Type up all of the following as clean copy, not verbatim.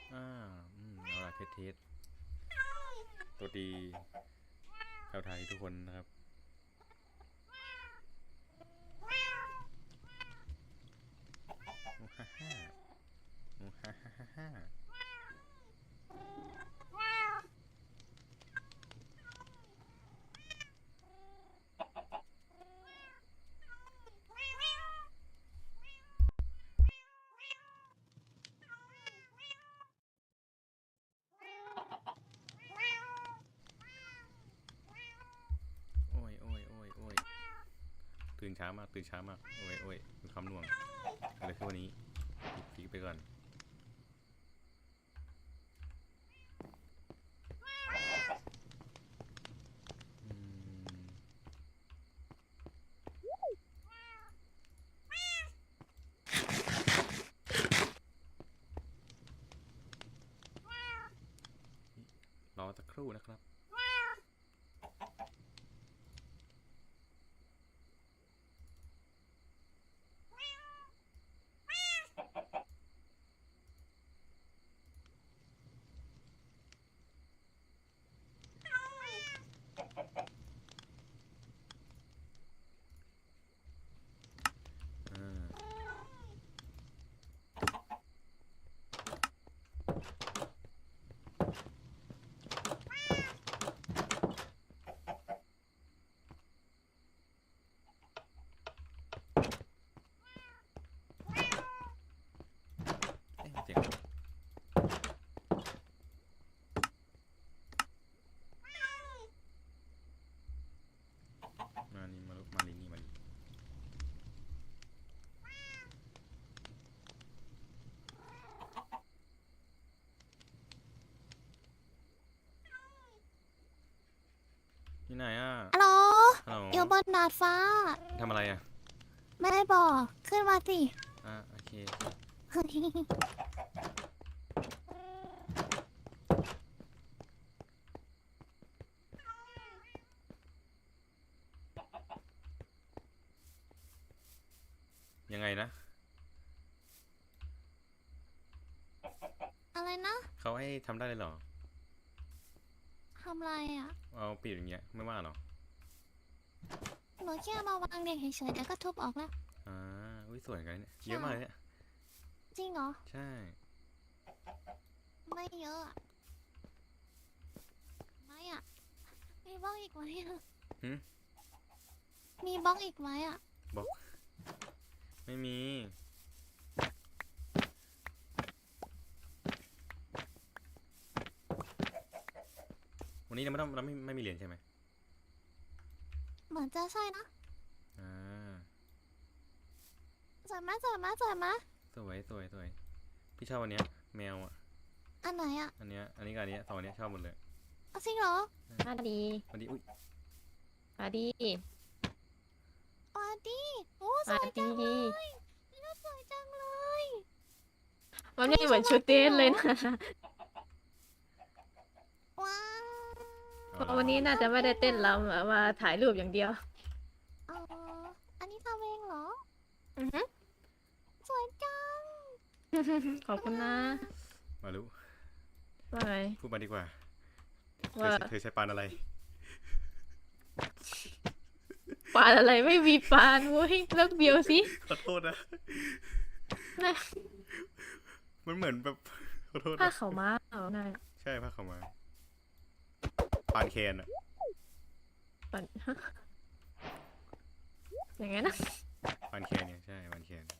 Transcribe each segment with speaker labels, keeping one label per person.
Speaker 1: เอาล่ะเทสตัวดีชาวไทยทุกคนนะครับฮ่าฮ่าฮ่าฮ่าฮ่าโอ้ยตื่นเช้ามากโอ้ยมีความหน่วงอะไรขึ้นวันนี้ฟิกไปก่อนรอสักครู่นะครับเสียงมานี่มาลีนี่มาลีที่ไหนอ่ะ
Speaker 2: ฮัลโหล
Speaker 1: ฮัลโหล
Speaker 2: อยู่บนดาดฟ้า
Speaker 1: ทำอะไรอ่ะ
Speaker 2: ไม่ได้บอก ขึ้นมาสิ
Speaker 1: โอเคยังไงนะ
Speaker 2: อะไรนะ
Speaker 1: เขาให้ทำได้เลยเหรอ
Speaker 2: ทำอะไรอ่ะ
Speaker 1: เอาปิดอย่างเงี้ยไม่ว่าหรอ
Speaker 2: หนูแค่มาวางเด็กเฉยๆเดี๋ยวก็ทุบออกแล้ว
Speaker 1: อุ้ยสวยกันเนี่ยเยอะมากเลยเนี่ย
Speaker 2: จริงเหรอ
Speaker 1: ใช่
Speaker 2: ไม่เยอะอะไม่อ่ะ มีบล็อกอีกไหมอ่ะมีบล็อกอีกไหมอ่ะ
Speaker 1: บอกไม่มีวันนี้เราไม่มีเหรียญใช่ไหม
Speaker 2: เหมือนจะใช่นะ
Speaker 1: อ่า
Speaker 2: สวยมะสวยมะสวยมะ
Speaker 1: สวยพี่ชอบวันเนี้ยแมวอ่ะ
Speaker 2: อันไหนอ่ะ
Speaker 1: อันนี้กับอันนี้สองอันนี้ชอบหมดเลย
Speaker 2: จริงเหรอ
Speaker 3: มาดี
Speaker 1: วันนี้อุ้ย
Speaker 3: มาดี
Speaker 2: อ๋อดีโอ้สวยจังเลยนี่ก็สวยจังเลย
Speaker 3: มันไม่เหมือนชุดเต้นเลยนะ
Speaker 2: ว้าว
Speaker 3: เพราะวันนี้น่าจะไม่ได้เต้นรำอะมาถ่ายรูปอย่างเดียว
Speaker 2: อ๋ออันนี้ทำเองเหรอ
Speaker 3: อือฮึ
Speaker 2: สวยจัง
Speaker 3: ขอบคุณนะ
Speaker 1: มารู้
Speaker 3: ว่าไง
Speaker 1: พูดมาดีกว่า
Speaker 3: ว่า
Speaker 1: เธอใช้ปานอะไร
Speaker 3: ปานอะไรไม่มีปานเว้ยเลิกเบียวสิ
Speaker 1: ขอโทษนะ
Speaker 3: นะ
Speaker 1: มันเหมือนแบบขอโทษ
Speaker 3: ผ้า
Speaker 1: นะ
Speaker 3: ขาวม้าเอาไง
Speaker 1: ใช่ผ้าขาวม้าปานแคนอะ
Speaker 3: ปานอย่างไงนะ
Speaker 1: ปานแคนเนี่ยใช่ปานแคน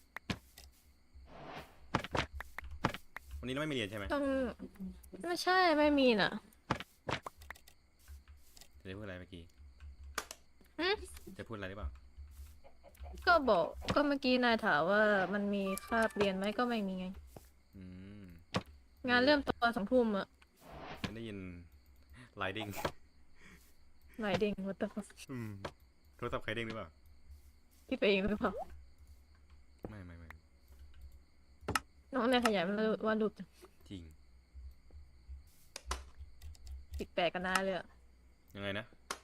Speaker 1: วันนี้เราไม่มีเหรียญใช่ไหม
Speaker 3: ต้องไม่ใช่ไม่มีน่ะ
Speaker 1: จะพูดอะไรเมื่อกี้
Speaker 3: หึ
Speaker 1: จะพูดอะไรหรือเปล่า
Speaker 3: ก็บอกก็เมื่อกี้นายถามว่ามันมีคาบเรียนไหมก็ไม่มีไง
Speaker 1: อืม
Speaker 3: งานเริ่มตอน2 ทุ่มอะ
Speaker 1: ฉันได้ยินไลดิ้ง
Speaker 3: ไหนเด้งวัตถุ
Speaker 1: โทรศัพท์ใครเด้งหรือเปล่า
Speaker 3: คิดไปเองหรือเปล่า
Speaker 1: ไม่
Speaker 3: น้องเนี่ยขยันวาดรูปจัง
Speaker 1: จริง
Speaker 3: แปลกกันนะเลยอะ
Speaker 1: ยังไงนะ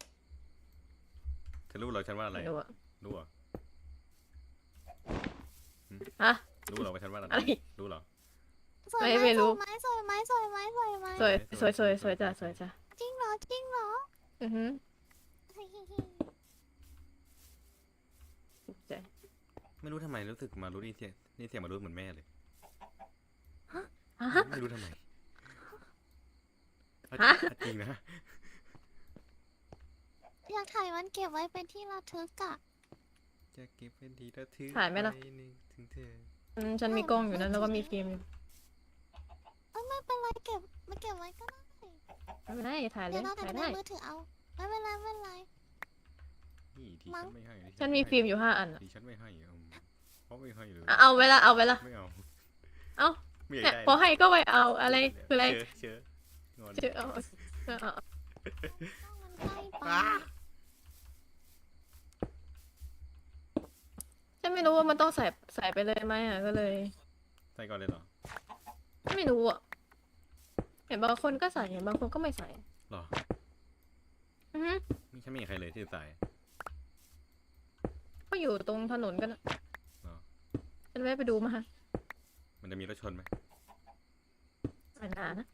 Speaker 1: เธอรู้เหรอฉันว่าอะไร
Speaker 3: ไม่รู้อะ
Speaker 1: รู้เหรอ
Speaker 3: ฮะ
Speaker 1: รู้เหรอว่าฉันว่าอะไร
Speaker 3: อะไร
Speaker 1: รู้เหรอ
Speaker 2: สวย
Speaker 3: ไม่รู้
Speaker 2: สวยไหมสวยไหมสวยไหม
Speaker 3: สวยสวยจ้ะสวยจ้ะ
Speaker 2: จริงเหรอจริงเหรอ
Speaker 3: อือหือใจ
Speaker 1: ไม่รู้ทำไมรู้สึกมารู้นี่เสียงมารู้เหมือนแม่เลย
Speaker 3: ฮะ
Speaker 1: ไม่รู้ทำไม
Speaker 3: ฮะ
Speaker 1: จริงนะ
Speaker 2: อยากถ่ายมันเก็บไว้เป็นที่ระทึกอะ
Speaker 1: จะเก็บเป็นทีละทึก
Speaker 3: ถ่ายไหมล่ะ
Speaker 1: ปนึกถึงเธอ
Speaker 3: ฉันมีกล้องอยู่นั้นแล้วก็มีฟิล์มอยู่
Speaker 2: ไม่เป็นไรเก็บมาเก็บไว้ก็ได้
Speaker 3: ไม่เป็นไรถ่ายเล
Speaker 2: เดี๋ย
Speaker 3: ยว
Speaker 2: เรา
Speaker 3: ถ่าย
Speaker 2: ทำใน
Speaker 3: ได้
Speaker 2: มือถือเอาไม่เป็นไรไม่เป็นไร
Speaker 1: นี่ที่
Speaker 2: มั้
Speaker 1: ฉั
Speaker 2: ง
Speaker 1: นไม่ให้ที่
Speaker 3: ฉันมีฟิล์มอยู่5 อันอะ
Speaker 1: ที่ฉันไม่ให้เพราะไม่ให้เลย
Speaker 3: เอาไว้ละเอาไว้ละ
Speaker 1: ไม่เอา
Speaker 3: เอา
Speaker 1: ไม่อยาก
Speaker 3: เนี่ย
Speaker 1: ได้
Speaker 3: พอให้ก็ไปเอาอะไรคืออะไร
Speaker 1: เชื้องอน
Speaker 3: เชื่อเอาเอา
Speaker 2: มันใกล้ไป
Speaker 3: ฉันไม่รู้ว่ามันต้องใส่ไปเลยไหมอ่ะก็เลย
Speaker 1: ใส่ก่อนเลยเหรอ
Speaker 3: ไม่รู้อ่ะเห็นบางคนก็ใส่เห็นบางคนก็ไม่ใส่
Speaker 1: หรอ
Speaker 3: อือฮึ
Speaker 1: ไม่ฉันไม่เห็นใครเลยที่ใส่
Speaker 3: ก็อยู่ตรงถนนกันอะ
Speaker 1: หรอ
Speaker 3: ฉันแวะไปดูมา
Speaker 1: มันจะมีรถชนไหม
Speaker 3: ไม่นานนะ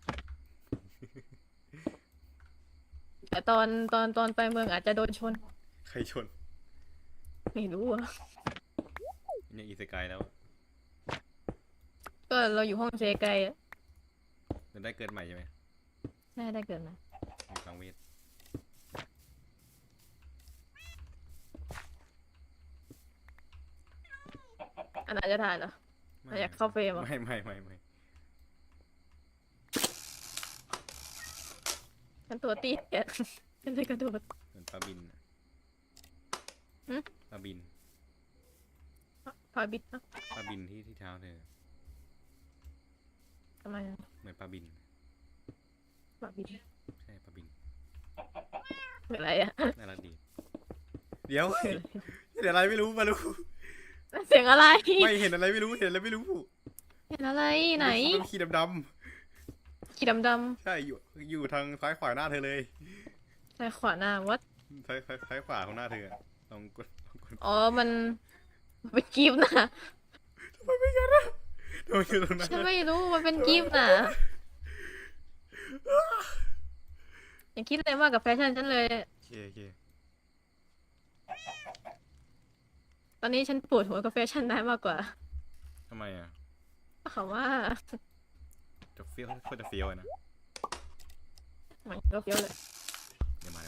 Speaker 3: แต่ตอนไปเมืองอาจจะโดนชน
Speaker 1: ใครชน
Speaker 3: ไม่รู้อ่ะ
Speaker 1: เนี่ยอีสกายแล้ว
Speaker 3: ก็เราอยู่ห้องเจไกลอ่ะ
Speaker 1: จะได้เกิดใหม่ใช่ไหม
Speaker 3: ได้เกิดมา
Speaker 1: มีคลังเวท
Speaker 3: อันอาจจะถ่ายเหรอ เราอยากเข้าเฟรมเหรอ
Speaker 1: ไม่
Speaker 3: ฉันตัวเตี้ย ฉันเลยกระโดด
Speaker 1: เหมือนปลาบินน่ะ
Speaker 3: หึ
Speaker 1: ปลาบิน
Speaker 3: พาบิดนะ
Speaker 1: ปลาบินที่เท้าเธอ
Speaker 3: ทำไมอะ
Speaker 1: เหมือนปลาบิน
Speaker 3: พาบิด
Speaker 1: ใช่ปลาบิน
Speaker 3: เป็นไรอ่ะ
Speaker 1: น่ารักดี เดี๋ยว เดี๋ยวอะไรไม่รู้มารู้
Speaker 3: เสียงอะไร
Speaker 1: ไม่เห็นอะไรไม่รู้เห็นอะไรไม่รู้
Speaker 3: เห็นอะไรไหน
Speaker 1: มันขีดดำ
Speaker 3: ขีดดำ
Speaker 1: ๆใช่อยู่ทางซ้ายขวาหน้าเธอเลย
Speaker 3: ๆซ้ายขวาหน้าวัด
Speaker 1: ซ้ายขวาของหน้าเธออะลองกด
Speaker 3: อ๋อมันเป็นกิฟต์นะ
Speaker 1: ทำไมไม่กันอะทำไมอยู่ตรงนั้น
Speaker 3: ฉัน
Speaker 1: อะ
Speaker 3: ไม่รู้มันเป็นกิฟต์นะอย่าคิดอะไรมากกับแฟชั่นฉันเลย
Speaker 1: โอเค
Speaker 3: ตอนนี้ฉันปวดหัวกับแฟชั่นได้มากกว่า
Speaker 1: ทำไมอ่ะ
Speaker 3: เขาว่า
Speaker 1: จะเฟี้ยวโคตรจะเฟี้ยวเลยนะ
Speaker 3: มันก็เฟี้ยวเลย
Speaker 1: เดี๋ยวมา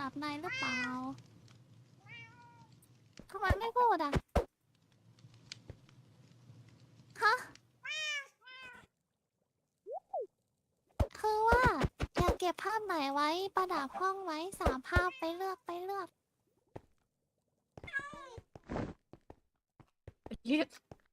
Speaker 2: บนายหรือเปล่าทำไมไม่พูดอ่ะฮะคือว่าอยากเก็บภาพไหนไว้ประดับห้องไว้3 ภาพไปเลือกไปเลือก
Speaker 3: เย็ด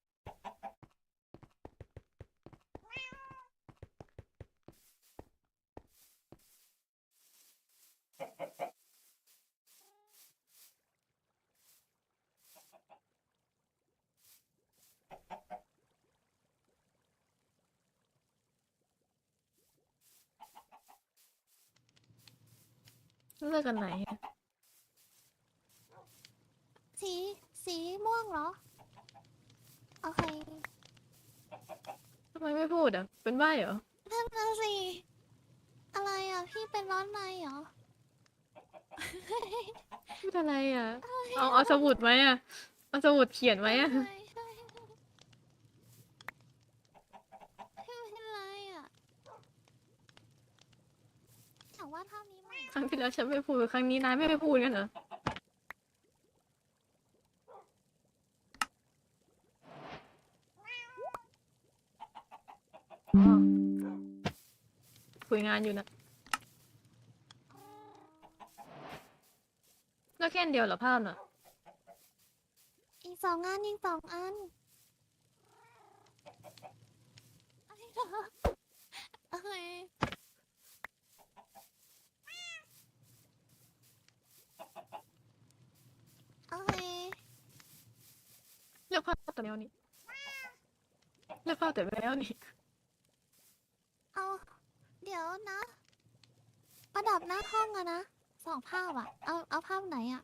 Speaker 3: เลือกกันไหนอะ
Speaker 2: สีสีม่วงเหรอ โอเค
Speaker 3: ทำไมไม่พูดอ่ะ เป็นใบ้เหรอ
Speaker 2: นั่นน่ะสิอะไรอ่ะ พี่เป็นร้อนในเหรอ
Speaker 3: พูดอะไรอ่ะ เอาสมุดไหมอ่ะ เอาสมุดเขียนไหมอ่ะ
Speaker 2: ใช่ใช่พี่เป็นไรอ่ะแต่ว่าเท่านี้ไหม
Speaker 3: ครั้งที่แล้วฉันไม่พูด ครั้งนี้นายไม่พูดกันเหรอ อ๋อ คุยงานอยู่นะแล้วแค่อันเดียวเหรอภาพน่ะ
Speaker 2: อีก2 อันอีก2 อันอะไรเหรอโอเคโอเค
Speaker 3: เลือกภาพแต่แมวนี่เลือกภาพแต่แมวนี่
Speaker 2: เอาเดี๋ยวนะ ประดับหน้าห้องอะนะ2 ภาพอะเอาภาพไหนอะ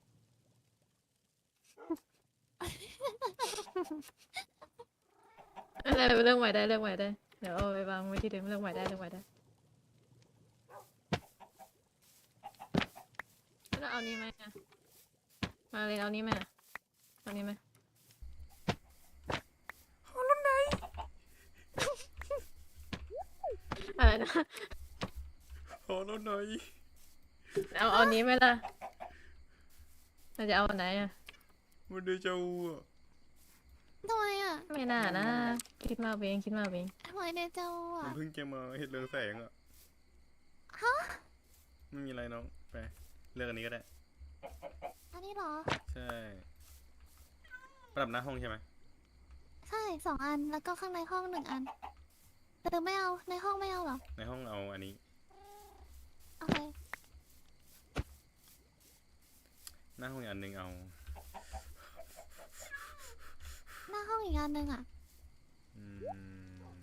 Speaker 3: อะไรเรื่องใหม่ได้เรื่องใหม่ได้ เดี๋ยวเอาไปวางไว้ที่เดิมเรื่องใหม่ได้เรื่องใหม่ได้แล้วเอานี้ไหมอะมาเลยเอานี้ไหมอะเอานี้ไหมอะไรนะ
Speaker 1: ขอรถหน่อย
Speaker 3: เอานี้ไหมล่ะเราจะเอาอันไหนอะ
Speaker 1: มันเดจาวูอ่ะ
Speaker 2: ทำไมอะ
Speaker 3: ไม่น่านะคิดมากเองคิดมากเอง
Speaker 2: ทำไมเดจาวู
Speaker 1: มัน
Speaker 2: อะ
Speaker 1: เพิ่งจะมาเห็นเรืองแสงอ่ะ
Speaker 2: ฮะ
Speaker 1: ไม่มีอะไรน้องไปเลือกอันนี้ก็ได้
Speaker 2: อันนี้เหรอ
Speaker 1: ใช่ประดับหน้าห้องใช่ไหม
Speaker 2: ใช่2 อันแล้วก็ข้างในห้อง1 อันแต่ไม่เอาในห้องไม่เอาเหรอ
Speaker 1: ในห้องเอาอันนี้
Speaker 2: โอเค
Speaker 1: หน้าห้องอีกอันหนึ่งเอา
Speaker 2: หน้าห้องอีกอันหนึ่งอะ
Speaker 1: อืม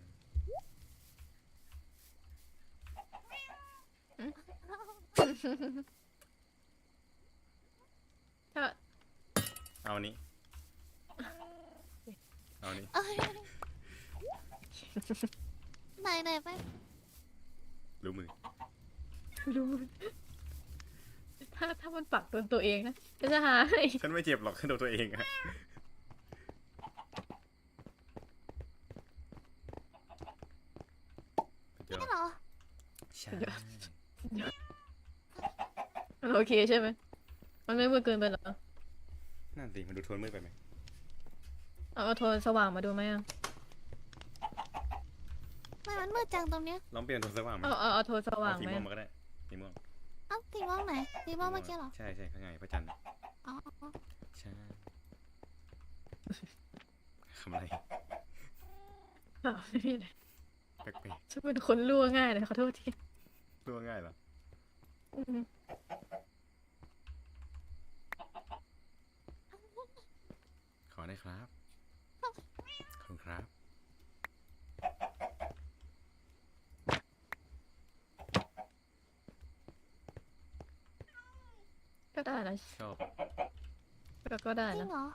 Speaker 3: ถ้า
Speaker 1: เอาอันนี้เอาอันนี้
Speaker 2: เอ้ยไหนไป
Speaker 1: รู้มือ
Speaker 3: รู้ถ้ามันปักโดนตัวเองนะจะหาให้
Speaker 1: ฉันไม่เจ็บหรอกแค่โดนตัวเองอะเดี๋ยว
Speaker 2: นี่เหรอ
Speaker 1: ใช่
Speaker 3: มันโอเคใช่ไหมมันไม่มืดเกินไปเหรอ
Speaker 1: นั่นสิมันดูโทนมืดไปไหม
Speaker 3: เอาโทนสว่างมาดูไหมอะ
Speaker 2: ไม่มันมืดจังตรงเนี้ย
Speaker 1: ลองเปลี่ยนโทนสว่างไหม
Speaker 3: เอาโทนสว่าง
Speaker 1: สี
Speaker 3: ไหม
Speaker 1: ม่วงมาก็ได้สีม่วง
Speaker 2: เอ้าสีม่วงไหนสีม่วงเมื่อกี้เหรอ
Speaker 1: ใช่ใช่ข้างในพระจันทร์
Speaker 2: อ๋อ
Speaker 1: ใช่ทำอะไร
Speaker 3: ไม่มีเลย
Speaker 1: แปลก
Speaker 3: ฉันเป็นคนรั่วง่ายเลยขอโทษที
Speaker 1: ๆตัวง่ายเหรอ
Speaker 3: อืม
Speaker 1: ขอได้ครับขอบคุณครับ
Speaker 3: ก็ได้นะ
Speaker 1: ชอบ
Speaker 3: ก็ได้
Speaker 2: จริ
Speaker 3: นะ
Speaker 2: งเหรอ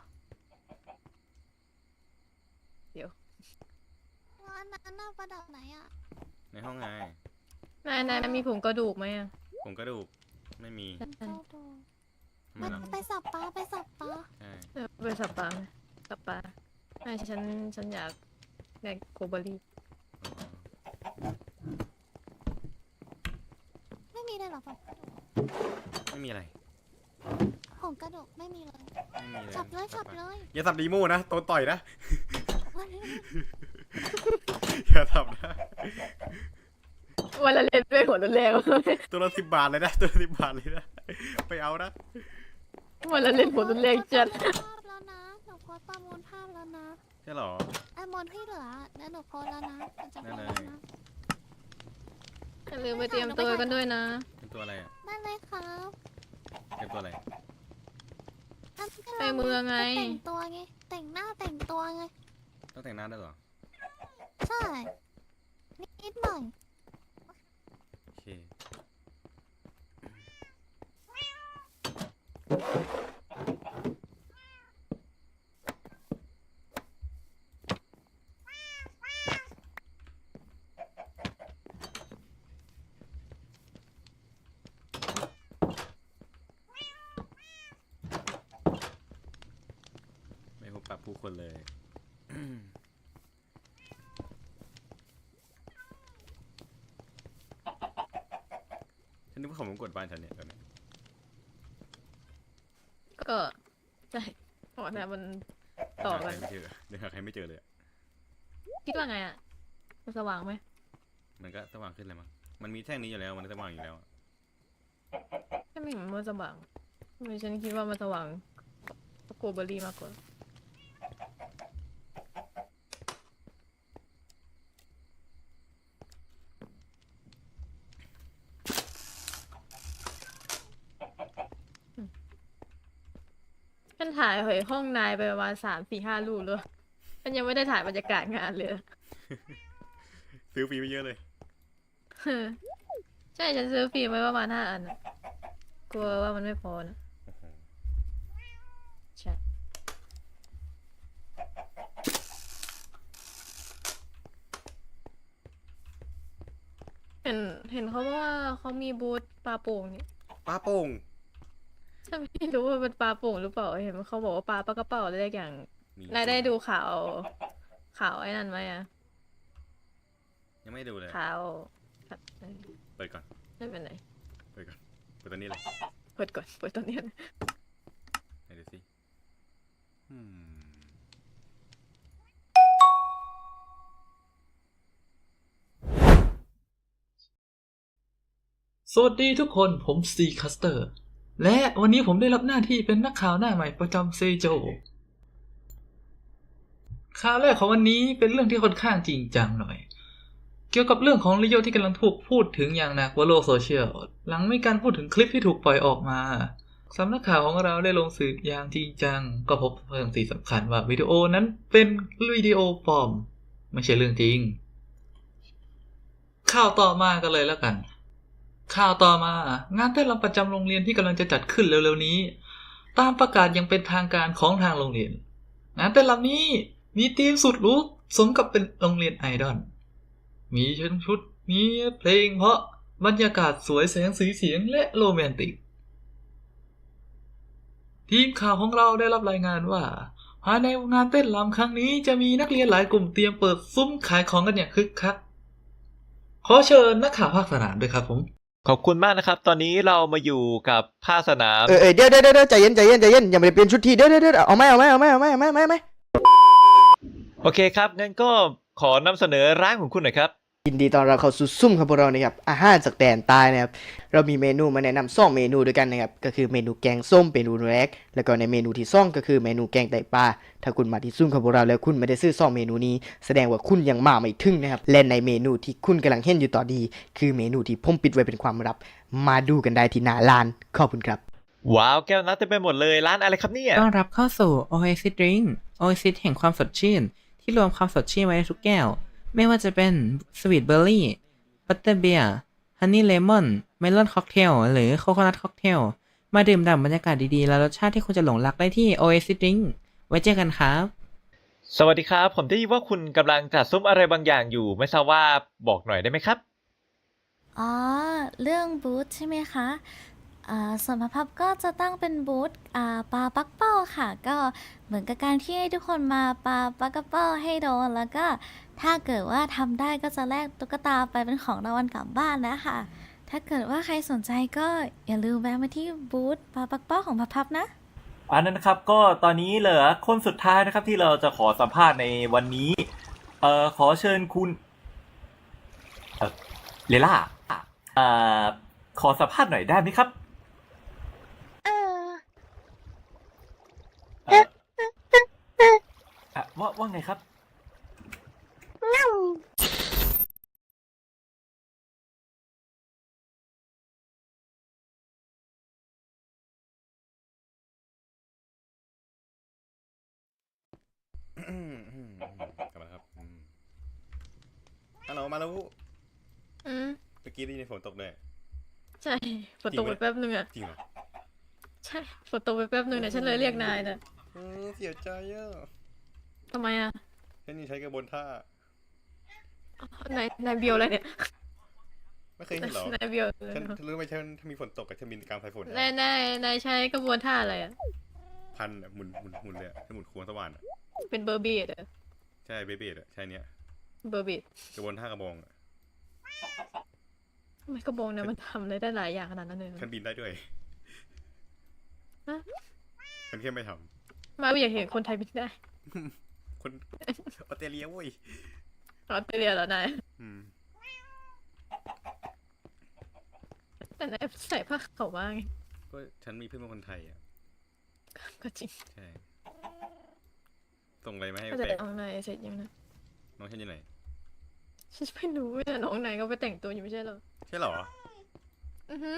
Speaker 3: เดี๋ยว
Speaker 2: แล้วอันนั้นน่ะประดับไหนอะ
Speaker 1: ในห้องไง
Speaker 3: นายมีผงกระดูกไหมอะ
Speaker 1: ผมกระดูกไม่มี
Speaker 2: เจ้าดู
Speaker 1: ทำไม
Speaker 2: มัน
Speaker 1: ล่ะ
Speaker 2: ไปสับปลาไปสับปลา
Speaker 1: ใช่
Speaker 3: ไปสับปลาไหมสับปลาไม่ฉันอยากโกเบอรี่
Speaker 1: อ๋อ
Speaker 2: ไม่มีเลยเหรอแบบ
Speaker 1: ไม่มีอะไร
Speaker 2: ของกระดูกไม่มีเลย
Speaker 1: ไม่มีเลย
Speaker 2: จับเลยจับเลย
Speaker 1: อย่าสับดีโม่นะโดนต่อยนะ อย่าสับนะ
Speaker 3: วันละเล่นด้วยหัวรุนแรง
Speaker 1: ตัวละ10 บาทเลยนะตัวละ10 บาทเลยนะไปเอานะ
Speaker 3: วันละเล่นหัวรุนแรงจัด
Speaker 2: ภาพแล้วนะหนูโพสต์ประมูลภาพแล้วนะ
Speaker 1: ใช่หรอ
Speaker 2: ไอ้มอนที่เหลือแล้วหนูโพสต์แล้วนะหนูจะโพสต์
Speaker 1: ได้
Speaker 2: แล้ว
Speaker 1: เลย
Speaker 2: นะ
Speaker 3: อย่าลืมไปเตรียมตัวกันด้วยนะ
Speaker 1: เป็นตัวอะไรอ่ะ
Speaker 2: ได้เลยครับ
Speaker 1: เป็นตัวอะไร
Speaker 2: อันนี้ก็
Speaker 3: ไปเมืองไง
Speaker 2: แต่งตัวไงแต่งหน้าแต่งตัวไง
Speaker 1: ต้องแต่งหน้าได้วยเหรอ
Speaker 2: ใช่นิดหน่อย
Speaker 1: โอเคไม่พบปะผู้คนเลย ฉันนึกว่าเขามากดบ้านฉันเนี่ยตอนนี้
Speaker 3: ก็ใช่เพราะนะมันต่อกัน
Speaker 1: เดี๋ยวหาใครไม่เจอเลยอะ
Speaker 3: คิดว่าไงอ่ะมันสว่างไหม
Speaker 1: มันก็สว่างขึ้นเลยมั้งมันมีแท่งนี้อยู่แล้วมันสว่างอยู่แล้วอะ
Speaker 3: ไม่เห็นมันสว่างทำไมฉันคิดว่ามันสว่างโกเบอรี่มากกว่าฉันถ่ายห้องนายไปประมาณ3-4-5 รูปเลยฉันยังไม่ได้ถ่ายบรรยากาศงานเลย
Speaker 1: ซื้อฟรีไปเยอะเลย
Speaker 3: ใช่ฉันซื้อฟิล์มไว้ประมาณ5 อันน่ะกลัวว่ามันไม่พอนะ
Speaker 1: โอ้โห
Speaker 3: ใช่เห็นเขาว่าเขามีบูธปลาโป่งนี่
Speaker 1: ปลาโป่ง
Speaker 3: ฉันไม่รู้ว่าเป็นปลาโป่งหรือเปล่าเห็นเขาบอกว่าปลากระเป๋าอะไรอย่าง
Speaker 1: มี
Speaker 3: นายได้ดูข่าวไอ้นั่นไหมอะ
Speaker 1: ยังไม่ดูเลย
Speaker 3: ข่าว
Speaker 1: เปิดก่อน
Speaker 3: ไม่เป็นไร
Speaker 1: เปิดก่อนเปิดตอนนี้เลย
Speaker 3: เปิดก่อนเปิดตอนนี้นะ
Speaker 1: ไหนดูสิ
Speaker 4: สวัสดีทุกคนผมซีคัสเตอร์และวันนี้ผมได้รับหน้าที่เป็นนักข่าวหน้าใหม่ประจำเซโจข่าวแรกของวันนี้เป็นเรื่องที่ค่อนข้างจริงจังหน่อยเกี่ยวกับเรื่องของลิโยที่กำลังถูกพูดถึงอย่างหนักบนโลกโซเชียลหลังมีการพูดถึงคลิปที่ถูกปล่อยออกมาสำนักข่าวของเราได้ลงสืบอย่างจริงจังก็พบเรื่องที่สำคัญว่าวิดีโอนั้นเป็นวิดีโอปลอมไม่ใช่เรื่องจริงข่าวต่อมากันเลยแล้วกันข่าวต่อมางานเต้นรำประจำโรงเรียนที่กำลังจะจัดขึ้นเร็วๆนี้ตามประกาศยังเป็นทางการของทางโรงเรียนงานเต้นรำนี้มีธีมสุดหรูสมกับเป็นโรงเรียนไอดอลมีชุดมีเพลงเพราะบรรยากาศสวยแสงสีเสียงและโรแมนติกทีมข่าวของเราได้รับรายงานว่าภายในงานเต้นรำครั้งนี้จะมีนักเรียนหลายกลุ่มเตรียมเปิดซุ้มขายของกันอย่างคึกคักขอเชิญนักข่าวภาคสนามด้วยครับผม
Speaker 5: ขอบคุณมากนะครับ ตอนนี้เรามาอยู่กับภาคสนาม
Speaker 6: เดี๋ยวใจเย็นอย่าไปเปลี่ยนชุดทีเดี๋ยวเอาไม่
Speaker 5: โอเคครับงั้นก็ขอนำเสนอร้านของคุณหน่อยครับ
Speaker 6: ยินดีตอนเราเข้าสู่ซุ่มของพวกเรานะครับอาหารจากแดนใต้นะครับเรามีเมนูมาแนะนำ2 เมนูด้วยกันนะครับก็คือเมนูแกงส้มเมนูแรกแล้วก็ในเมนูที่2ก็คือเมนูแกงไตปลาถ้าคุณมาที่ซุ่มของพวกเราแล้วคุณไม่ได้ซื้อ2 เมนูนี้แสดงว่าคุณยังมาไม่ถึงนะครับและในเมนูที่คุณกำลังเห็นอยู่ตอนนี้คือเมนูที่ผมปิดไว้เป็นความลับมาดูกันได้ที่หน้าร้านขอบคุณครับ
Speaker 5: ว้าวแก้วน้ำเต็มไปหมดเลยร้านอะไรครับเนี่ย
Speaker 7: ต้อนรับเข้าสู่ Oasis Drink Oasis แห่งความสดชื่น ที่รวมความสดชื่นไว้ในทุกแก้ว ไม่ว่าจะเป็น Sweet Berry Butterbeer Honey Lemon Melon Cocktail หรือ Coconut Cocktail มาดื่มด่ำบรรยากาศดีๆ และรสชาติที่คุณจะหลงรักได้ที่ Oasis Drink ไว้เจอกันครับ
Speaker 5: สวัสดีครับผมได้ยินว่าคุณกำลังจัดซุ้มอะไรบางอย่างอยู่ไม่ทราบว่าบอกหน่อยได้ไหมครับ
Speaker 8: อ๋อ เรื่องบูธใช่ไหมคะส่วนพับก็จะตั้งเป็นบูธปลาปักเป้าค่ะ ก็เหมือนกับการที่ให้ทุกคนมาปลาปักเป้าให้โดน แล้วก็ถ้าเกิดว่าทำได้ก็จะแลกตุ๊กตาไปเป็นของรางวัลกลับบ้านนะคะ ถ้ถ้าเกิดว่าใครสนใจก็อย่าลืมแวะมาที่บูธปาปักเป้าของพับนะ
Speaker 5: อันนั้นนะครับก็ตอนนี้เหลือคนสุดท้ายนะครับที่เราจะขอสัมภาษณ์ในวันนี้ ขอเชิญคุณเลล่าขอสัมภาษณ์หน่อยได้ไหมครับเว่าไงครับ
Speaker 1: กลับมาแล้วครับฮัลโหลมาแล้ว
Speaker 3: อืม
Speaker 1: เมื่อกี้ได้ยินฝนตกเลย
Speaker 3: ใช่ฝนตกไปแป๊บนึงอะ
Speaker 1: จริงเหรอ
Speaker 3: ใช่ฝนตกไปแป๊บนึงเนี่ยฉันเลยเรียกนายนะ
Speaker 1: เสียใจอ่ะ
Speaker 3: ทำไมอะ
Speaker 1: แค่นี้ใช้กระบวนท่า
Speaker 3: นายเบียวอะไรเนี่ย
Speaker 1: ไม่เคยเห็นเหรอน
Speaker 3: ายเบียวเลย
Speaker 1: ฉันรู้ไหมฉันถ้ามีฝนตกกับฉันมีกลางสายฝน
Speaker 3: นายใช้กระบวนท่าอะไรอะ
Speaker 1: พันอะหมุนเลยอะให้หมุนควงสว่านอะ
Speaker 3: เป็นเบอร์บีดอะ
Speaker 1: ใช่เบเบดอะใช่เนี้ย
Speaker 3: เบอร์บีด
Speaker 1: กระบวนท่ากระบองอะ
Speaker 3: ทำไมกระบองเนี่ยมันทำอะไรได้หลายอย่างขนาดนั้นเลยเหรอ
Speaker 1: ฉันบินได้ด้วย
Speaker 3: ฮะ
Speaker 1: ฉันแค่ไม่ท
Speaker 3: มาอยากเห็นคนไทยบินได้
Speaker 1: ำคนออสเตรเลียเว้ย
Speaker 3: ออสเตรเลียเหรอนาย
Speaker 1: อืม
Speaker 3: แต่นายใส่ผ้าขาวม้าไง
Speaker 1: ก็ฉันมีเพื่อนเป็นคนไทยอ่ะ
Speaker 3: ก็จริง
Speaker 1: ใช่ ส่งอะไรมาให้
Speaker 3: ก็
Speaker 1: แป
Speaker 3: จะ
Speaker 1: ลก
Speaker 3: น้องนายเสร็จยังนะ
Speaker 1: น้องฉันอยู่ไหน
Speaker 3: ฉันไม่รู้แต่น้องนายก็ไปแต่งตัวอยู่ไม่ใช่เหรอ
Speaker 1: ใช่เหรอ
Speaker 3: อือฮึ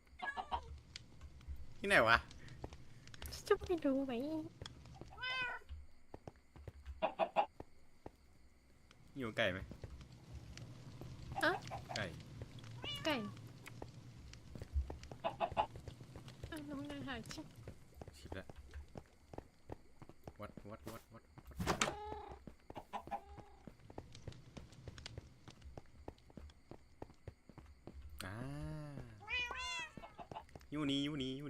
Speaker 1: ที่ไหนวะ
Speaker 3: ฉันจะไม่รู้ไหม
Speaker 1: อยู่ไก่ไหม
Speaker 3: อะ
Speaker 1: ไก่
Speaker 3: ไก่อ่ะน้องนายหายชิบ
Speaker 1: ชิบละวัดอ่าอยู่นี่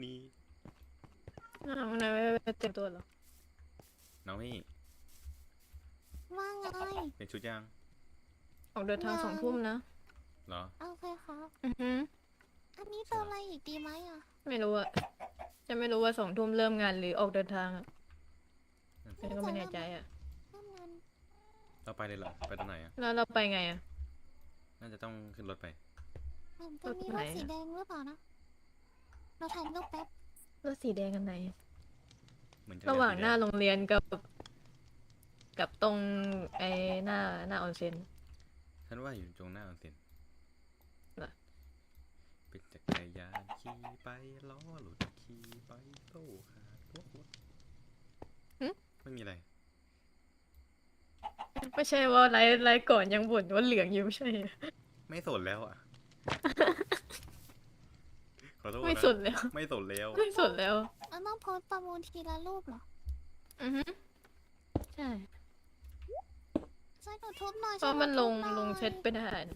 Speaker 3: น้องนายไม่เต็มตัวเหรอ
Speaker 1: น้องนี่
Speaker 2: ว่าไง
Speaker 1: เป็นชุดย่าง
Speaker 3: ออกเดินทาง2 ทุ่มนะ
Speaker 1: เหรอ
Speaker 2: โอเคครับ
Speaker 3: อือฮึ
Speaker 2: อันนี้เติมอะไรอีกดีไหมอ่ะ
Speaker 3: ไม่รู้อะจะไม่รู้ว่า2 ทุ่มเริ่มงานหรือออกเดินทางอะฉันก็ไม่แน่ใจอะ
Speaker 2: เริ่มงาน
Speaker 1: เราไปเลยเหรอ ไปตรงไหนอ่ะ
Speaker 3: แล้วเราไปไงอะ
Speaker 1: น่าจะต้องขึ้นรถไป
Speaker 2: มันจะมี
Speaker 3: รถ
Speaker 2: ร
Speaker 3: ไหน
Speaker 2: ถ
Speaker 3: อะ
Speaker 2: สีแดงหรือเปล่านะ เราถ่ายรูปแป๊บ
Speaker 3: รถสีแดงกันไหน
Speaker 1: เหมือนจะ
Speaker 3: ระหว่างหน้า
Speaker 1: สีแด
Speaker 3: โรงเรียนกับตรงไอ้หน้าออนเซ็น
Speaker 1: ฉันว่าอยู่ตรงหน้าออนเซ็น
Speaker 3: เหรอ
Speaker 1: เป็นจักรยานขี่ไปล้อหลุดขี่ไปโต้ขาดพวกไม่มีอะไร
Speaker 3: ไม่ใช่ว่าไลฟ์ก่อนยังบ่นว่าเหลืองอยู่ไม่ใช่เหรอ
Speaker 1: ไม่สนแล้วอ่ะ ขอโทษ
Speaker 3: ไม่
Speaker 1: นะ
Speaker 3: สนแล้ว
Speaker 1: ไม่สนแล้ว
Speaker 3: ไม่สนแล้ว
Speaker 2: มันต้องโพสต์ประมูลทีละรูปเหรอ
Speaker 3: อือฮึใช่
Speaker 2: ใช่หนูทุบหน่อย
Speaker 3: เพราะมันลง
Speaker 2: ช่วยห
Speaker 3: ล
Speaker 2: น่อย
Speaker 3: งเซตไปได้นะ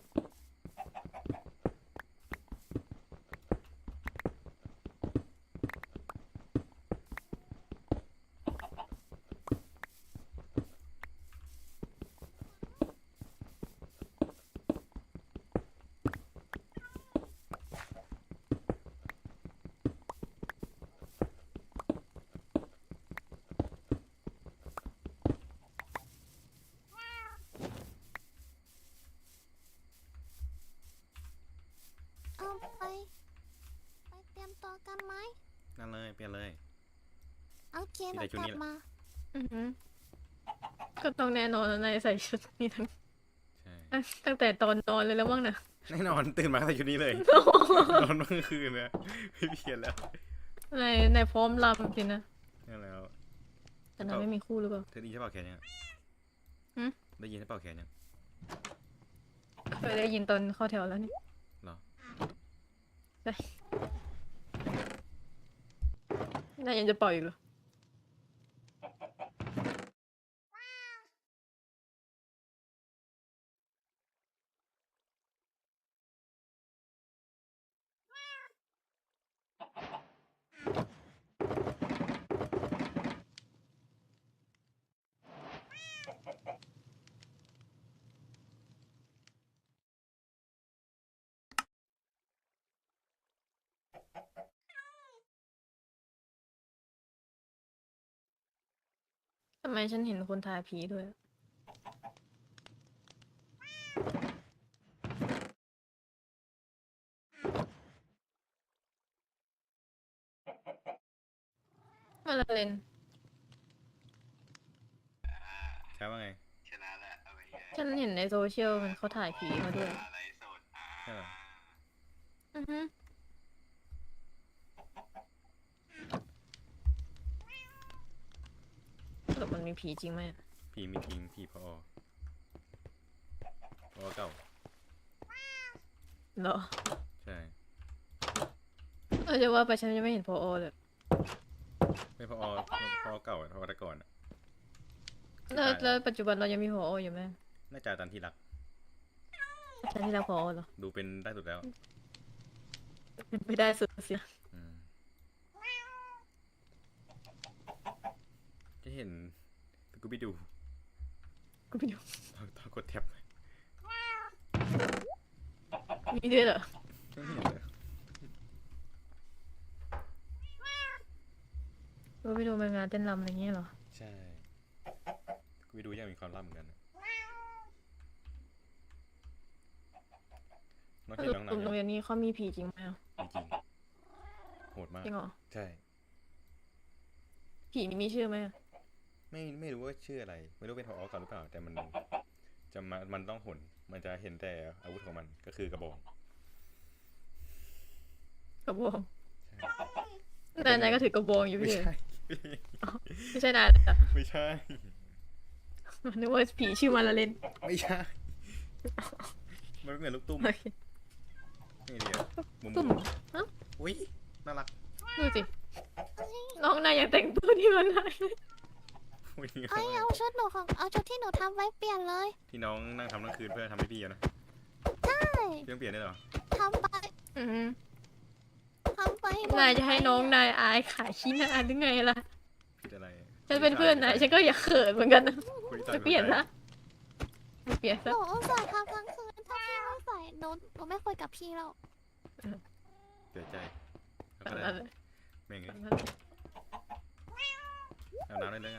Speaker 2: เอาไปเตรียมตัวกันไหม
Speaker 1: นั่นเลย เปลี่ยนเลย
Speaker 2: โอเค
Speaker 1: มี
Speaker 2: เดี๋
Speaker 1: แต่
Speaker 2: ยว
Speaker 1: ชุด
Speaker 2: กลั
Speaker 1: นี้
Speaker 2: บ
Speaker 1: แหละ
Speaker 2: มา
Speaker 3: อือฮึก็ต้องแน่นอนแล้วนายใส่ชุดนี้ทั้ง
Speaker 1: ใช่
Speaker 3: ตั้งแต่ตอนนอนเลยแล้วมั้งนะ
Speaker 1: แน่นอนตื่นมาใส่ชุดนี้เลย นอนเมื่อคืนนะไม่เปลี่ยนแล้ว
Speaker 3: นายพร้อมรำสินะ
Speaker 1: นั่นแล้ว
Speaker 3: แต่นายไม่มีคู่หรือเปล่า
Speaker 1: เธอได้ยินใช่เปล่าแขนยัง
Speaker 3: หืม
Speaker 1: ได้ยินใช่เปล่าแขนยัง
Speaker 3: เคยได้ยินตอนเข้าแถวแล้วนี่
Speaker 1: เหรอ
Speaker 3: นายยังจะปล่อยอีกเหรอไมฉันเห็นคนถ่ายผีด้วย มาละเลน
Speaker 1: ใช่ว่าไง
Speaker 3: ฉันเห็นในโซเชียลมันเขาถ่ายผีมาด้วย
Speaker 1: ใช่เหรอ
Speaker 3: อือฮึสรุปมันมีผีจริงไหมอะ
Speaker 1: ผีไม่จริงผีพอเก่า
Speaker 3: เหรอ
Speaker 1: ใช่
Speaker 3: จะว่าไปฉันยังไม่เห็นพอเลย
Speaker 1: ไม่พอเก่าพอแต่ก่อนอะ
Speaker 3: แล้วปัจจุบันเรายังมีพออยู่ไหม
Speaker 1: น่าจะตันที่รัก
Speaker 3: ฉันที่เราพอเหรอ
Speaker 1: ดูเป็นได้สุดแล้ว
Speaker 3: ไม่ได้สุดเสีย
Speaker 1: อืมจะเห็นสกูบี้ดู
Speaker 3: กูไม่รู้
Speaker 1: ตอนกดแท็บ
Speaker 3: มีด้วยเหรอ
Speaker 1: ไม่เห็นเลย
Speaker 3: กูไปดูมางานเต้นรำอะไรอย่างเงี้ยเหรอ
Speaker 1: ใช่สกูบี้ดูยังมีความลับเหมือนกันนะน้อง
Speaker 3: ส
Speaker 1: เห็น
Speaker 3: รุป
Speaker 1: น้องหนั
Speaker 3: กลุ่
Speaker 1: ง
Speaker 3: มโรงเรียนนี้เขามีผีจริงไหมอะ
Speaker 1: จริงโหดมาก
Speaker 3: จริงเหรอ
Speaker 1: ใช่
Speaker 3: ผีนี่มีชื่อไหมอะ
Speaker 1: ไม่รู้ว่าชื่ออะไร ไม่รู้เป็นพอเก่าหรือเปล่า แต่มันต้องหนมันจะเห็นแต่อาวุธของมันก็คือกระบอก
Speaker 3: กระบอง
Speaker 1: ใช่
Speaker 3: นายก็ถือกระบองอยู่
Speaker 1: ไม่
Speaker 3: พี่
Speaker 1: ใช่
Speaker 3: ไม่ใช่นายเหรอ
Speaker 1: ไม่ใช่
Speaker 3: นึกว่าผีชื่อมาละเลน
Speaker 1: ไม่ใช่ มันไม่เหมือนลูกตุ้ม
Speaker 3: โอเค
Speaker 1: นี่เดียวมุม
Speaker 3: ตุ่มฮะ
Speaker 1: อุ้ยน่ารัก
Speaker 3: ดูสิ น้องนายอยากแต่งตัวที่มันนาย
Speaker 1: อุ้ย
Speaker 2: เอาชุดหนูของเอาชุดที่หนูทำไว้เปลี่ยนเลย
Speaker 1: ที่น้องนั่งทำทั้งคืนเพื่อทำให้พี่อะนะ
Speaker 2: ใช่
Speaker 1: เรื่องเปลี่ยนได้เหรอ
Speaker 2: ทำไป
Speaker 3: อืม
Speaker 2: ทำไป
Speaker 3: นายจะให้น้องนายอายขายขี้หน้าหรือไงล่ะ
Speaker 1: ผิดอะไร
Speaker 3: ฉันเป็นเพื่อนนายฉันก็อยากเขินเหมือนกันนะ
Speaker 1: คุย
Speaker 3: จะเปลี่ยนนะเปลี่ยน
Speaker 2: ห
Speaker 3: ซะ
Speaker 2: นูอุตส่าห์ทำทั้งคืนถ้าพี่ไม่ใส่หนูไม่คุยกับพี่แล้ว
Speaker 1: เสียใจเอา
Speaker 3: ตาม
Speaker 1: ก็ได้
Speaker 3: นั้นเลย
Speaker 1: แม่งเล
Speaker 3: ตาม
Speaker 1: ย
Speaker 3: นั้นเลย
Speaker 1: เอาน้ำได้เลยกัน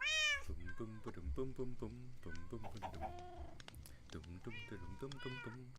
Speaker 1: ปุ้มปุ้มปุ้มปุ้มปุ้มปุ้มปุ้มปุ้มปุ้มปุ้มปุ้มปุ้มปุ้มปุ้มปุ้มปุ้มปุ้ม